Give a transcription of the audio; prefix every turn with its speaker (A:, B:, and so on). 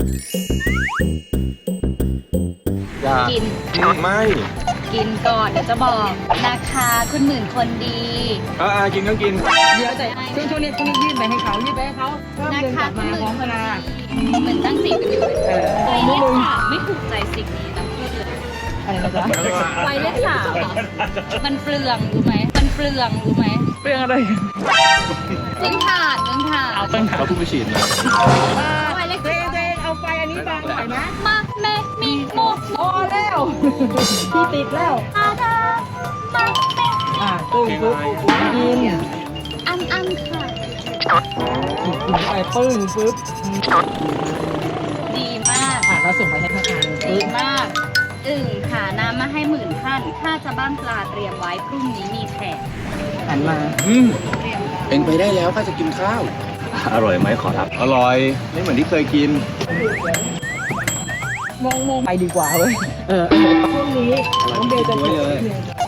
A: อย่า
B: กิน
A: ไม่
B: กินก่อนเดี๋ยวจะบอกนะคะคุณหมื่นคนดี
A: กินก็กิน
C: เดี๋ยวแต่ช่วงนี้ยื่นไปให้เขาเพิ่ม
B: นะ
C: เงินก
B: คะ
C: ลับ
B: คุณ
C: มา
B: หมื่
C: พร้อม
B: นค
C: เวน ลา
B: ดีเหมือนตั้งสิ่งกันอยู่
C: เออ
B: ไปเลขสามไม่ถูกใจสิ่งนี้นะพูดเลย
C: อะไรนะจ๊ะ
B: ไปเลขสามเหรอมันเปลืองรู้ไหมมันเปลืองรู้ไหม
C: เรื่องอะไร
B: เรื่องถ่านเรื่องถ่าน
C: เอาเป็น
A: เราเพิ่งไปฉีดมา
B: ไปเลข
C: เจเอาไฟอันนี้บางหน่อยนะ
B: มาแม่มีโม
C: พอแล้วพี่ติดแล้ว
B: อาดามาแม่
C: ตึ้งปุ๊บกิน
B: อันค่ะ
C: กินไปปึ้งปุ๊บ
B: ดีมาก
C: เราส่งไปให้พนักงาน
B: ดี
C: ปุ๊บ
B: มากค่ะน้ำมาให้10,000ท่านถ้าจะบ้านปลาเตรียมไว้พรุ่งนี้มีแขก
C: หันมา
B: เตรียมไว้
A: เป็นไปได้แล้วข้าจะกินข้าว อร่อยไหมขอรับ อร่อย ไม่เหมือนที่เคยกิน
C: งงไปดีกว่าเว้ยช่วงนี้น้องเบลจะ
A: ด้วยเลย